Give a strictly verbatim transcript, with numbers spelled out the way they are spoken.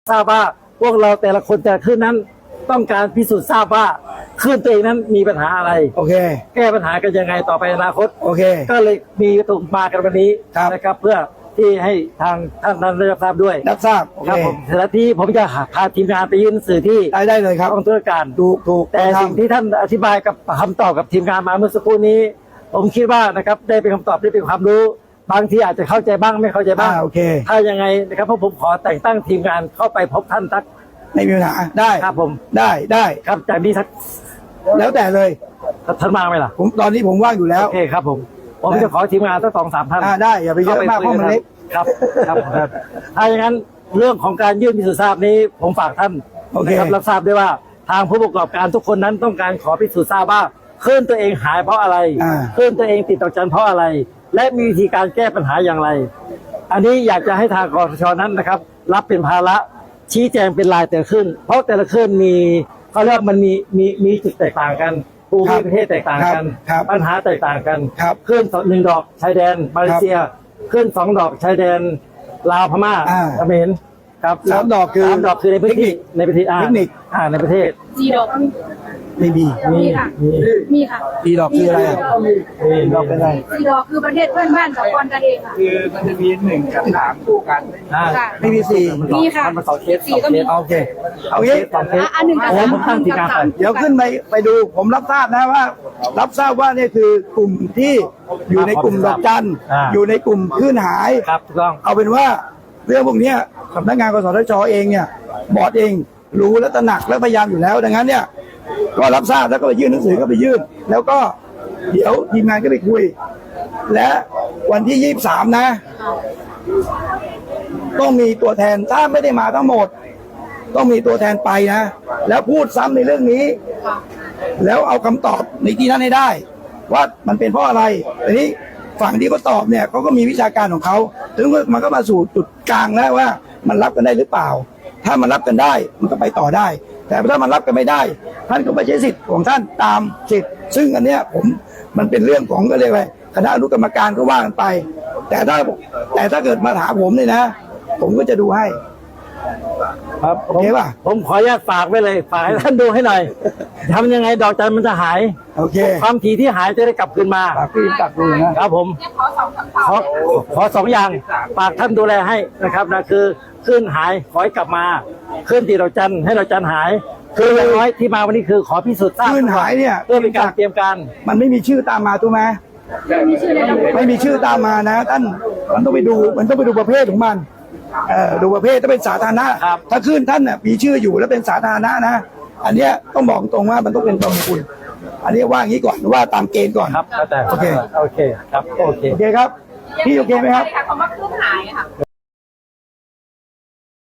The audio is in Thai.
ทราบว่าพวกเราแต่ละคนแต่ละขึ้นนั้นต้องการพิสูจน์ทราบว่าขึ้นตัวเองนั้นมีปัญหาอะไรโอเคแก้ปัญหากันยังไงต่อไปในอนาคตโอเคก็เลยมีวัตถุมากันวันนี้นะครับเพื่อที่ให้ทางท่านนั้นได้รับทราบด้วยรับทราบครับผมเสร็จที่ผมจะพาทีมงานไปยื่นหนังสือที่ได้ได้เลยครับกองตุลาการถูกถูกแต่สิ่งที่ท่านอธิบายกับคำตอบกับทีมงานมาเมื่อสักครู่นี้ผมคิดว่านะครับได้เป็นคำตอบได้เป็นความรู้บางทีอาจจะเข้าใจบ้างไม่เข้าใจบ้างโอเคถ้ายังไงนะครับเพราะผมขอแต่งตั้งทีมงานเข้าไปพบท่านทักไม่มีปัญหาได้ครับผมได้ได้ครับจากนี้ทักแล้วแต่เลยท่านมาไหมล่ะผมตอนนี้ผมว่างอยู่แล้วโอเคครับผมผมจะขอทีมงานตั้งสองสามท่านได้อย่าไปเยอะมากเพราะมันเล็กครับครับถ้าอย่างนั้นเรื่องของการยื่นพิสูจน์ทราบนี้ผมฝากท่านนะครับรับทราบด้วยว่าทางผู้ประกอบการทุกคนนั้นต้องการขอพิสูจน์ทราบว่าคลื่นตัวเองหายเพราะอะไรคลื่นตัวเองติดต่อจันเพราะอะไรและมีวิธีการแก้ปัญหาอย่างไรอันนี้อยากจะให้ทางกสชนั้นนะครับรับเป็นภาระชี้แจงเป็นรายแต่ละคลื่นเพราะแต่ละคลื่นมีเขาเรียกมันมีมีมีจุดแตกต่างกันภูมิประเทศแตกต่างกันปัญหาแตกต่างกันคลื่นหนึ่งดอกชายแดนมาเลเซียคลื่นสองดอกชายแดนลาวพม่าเขมรครับสามดอกคือสามดอกคือในพื้นที่ในประเทศเทคนิคอ่าในประเทศสี่ดอกไม่มีมีค่ะมีค่ะสี่ดอกคืออะไรสี่ดอกเป็นอะไรสี่ดอกคือประเทศเพื่อนบ้านสองคนกันเองค่ะคือมันจะมีหนึ่งกับสามคู่กันไม่มีสี่มีค่ะมันสองเคสสี่ก็มีโอเคเอางี้อันหนึ่งกับสามผมตั้งทีมงานไปเดี๋ยวขึ้นไปไปดูผมรับทราบนะว่ารับทราบว่านี่คือกลุ่มที่อยู่ในกลุ่มดอกจันอยู่ในกลุ่มคลื่นหายครับถูกต้องเอาเป็นว่าเรื่องพวกนี้สำนักงานกสทชเองเนี่ยบอร์ดเองรู้และตระหนักและพยายามอยู่แล้วดังนั้นเนี่ยก็รับทราบแล้วก็ไปยื่นหนังสือก็ไปยื่นแล้วก็เดี๋ยวทีมงานก็ไปคุยและวันที่ยี่สิบสามนะต้องมีตัวแทนถ้าไม่ได้มาทั้งหมดต้องมีตัวแทนไปนะแล้วพูดซ้ำในเรื่องนี้แล้วเอาคำตอบในที่นั้นให้ได้ว่ามันเป็นเพราะอะไรทีนี้ฝั่งที่เขาตอบเนี่ยเขาก็มีวิชาการของเขาถึงมันก็มาสู่จุดกลางแล้วว่ามันรับกันได้หรือเปล่าถ้ามันรับกันได้มันก็ไปต่อได้แต่ถ้ามันรับกันไม่ได้ท่านก็ไปใช้สิทธิ์ของท่านตามสิทธิ์ซึ่งอันเนี้ยผมมันเป็นเรื่องของก็เรียกอะไรคณะอนุกรรมการก็ว่ากันไปแต่ถ้าแต่ถ้าเกิดมาถามผมเนี่ยนะผมก็จะดูให้ครับโอเคป่ะผมขออนุญาตฝากไว้เลยฝากให้ท่านดูให้หน่อยทำยังไงดอกจันมันจะหายโอเคความถี่ที่หายจะได้กลับคืนมาฝากพี่ตักดูนะครับผมขอขอสองอย่างฝากท่านดูแลให้นะครับนะคือขึ้นหายขอให้กลับมาขึ้นที่ดอกจันให้ดอกจันหายคืออย่างน้อยที่มาวันนี้คือขอพิสูจน์ทราบขึ้นหายเนี่ยเพื่อเป็นการเตรียมการมันไม่มีชื่อตามมาถูกไหมไม่มีชื่อเลยไม่มีชื่อตามมานะท่านมันต้องไปดูมันต้องไปดูประเภทของมันเอ่อดูประเภทถ้าเป็นสาธารณะถ้าขึ้นท่านน่ะมีชื่ออยู่แล้วเป็นสาธารณะนะอันเนี้ยต้องบอกตรงว่ามันต้องเป็นประมคุณอันนี้ว่าอย่างนี้ก่อนว่าตามเกณฑ์ก่อนครับแต่โอเคโอเคครับโอเคโอเคครับพี่โอเคไหมครับคำว่าเครื่องหายค่ะ